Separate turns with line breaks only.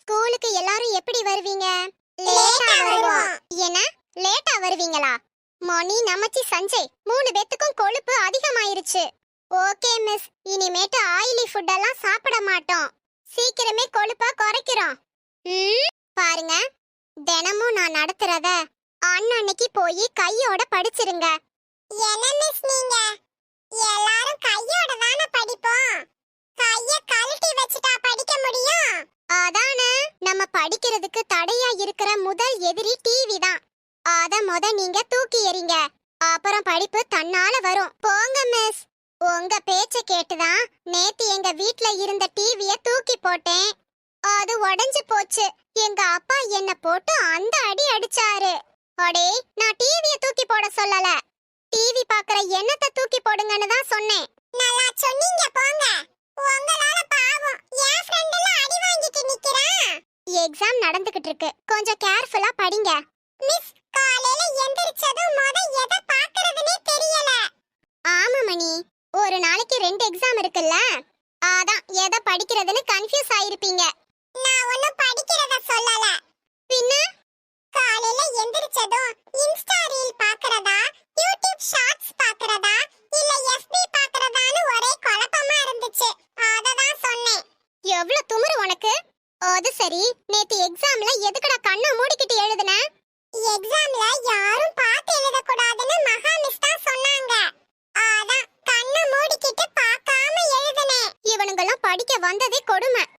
ஸ்கூலுக்கு எல்லாரும் எப்படி வருவீங்க? லேட்டா வருவோம். என்ன லேட்டா வருவீங்களா? மணி, நமச்சி, சஞ்சய் 3 பேத்துக்கும் கொழுப்பு அதிகமாயிருச்சு. ஓகே மிஸ், இனிமேட்டு ஆயிலி ஃபுட் எல்லாம் சாப்பிட மாட்டோம். சீக்கிரமே கொழுப்பா குறைக்கிறோம். பாருங்க, தினமும் நான் நடத்துறத அன்னன்னைக்கு போய் கையோட படிச்சிருங்க. என்ன மிஸ் நீங்க எல்லாரும் கையோட தான படிப்போம். கைய கழட்டி வச்சிட்டா படிக்க முடியும்? அதானே, நம்ம படிக்கிறதுக்கு தடையா இருக்கிற முதல் எதிரி டிவி தான். அத நீங்க தூக்கி எறிங்க, அப்புறம் படிப்பு தன்னால வரும். போங்க மிஸ். உங்க பேச்ச கேட்டுதான் நேத்து எங்க வீட்ல இருந்த டிவிய தூக்கி போட்டேன். அது உடைஞ்சு போச்சு. எங்க அப்பா என்ன போட்டு அந்த அடி அடிச்சாரு. அடே, நான் டிவிய தூக்கி போட சொல்லல. டிவி பாக்குற எண்ணத்தை தூக்கி போடுங்கன்னு தான் சொன்னேன். நல்லா சொன்னீங்க போங்க. உங்களால பாவம் என் ஃப்ரெண்ட் எல்லாம் அடி வாங்கிட்டு நிக்கறான். எக்ஸாம் நடந்துகிட்டு இருக்கு, கொஞ்சம் கேர்ஃபுல்லா படிங்க. மிஸ், காலையில எந்திரச்சதும் எதை பாக்குறதுனே தெரியல. ஆமா மணி, ஒரு நாளைக்கு 2 எக்ஸாம் இருக்குல்ல, அதான் எதை படிக்கிறதுன்னு கன்ஃபியூஸ் ஆயிருப்பீங்க. நான் ஒண்ணும் படிக்கிறத சொல்லல. பின்ன காலையில எந்திரச்சதும் இன்ஸ்டா ரீல் பாக்குறதா, யூடியூப் ஷார்ட்ஸ் பாக்குறதா, இல்ல எஃபி பாக்குறதான்னு ஒரே குழப்பமா இருந்துச்சு. அததான் சொன்னேன். எவ்வளவு துமுறு உனக்கு? அது சரி, நேத்து எக்ஸாம்ல எதுக்குடா கண்ணை மூடிக்கிட்டு எழுதுன? எக்ஸாம்ல யாரும் பார்த்து எழுத கூடாதுன்னு மகா மிஸ் தான் சொன்னாங்க. அதான் கண்ணை மூடிக்கிட்டு பார்க்காம எழுதுனேன். இவனுங்கெல்லாம் படிக்க வந்ததே கொடுமை.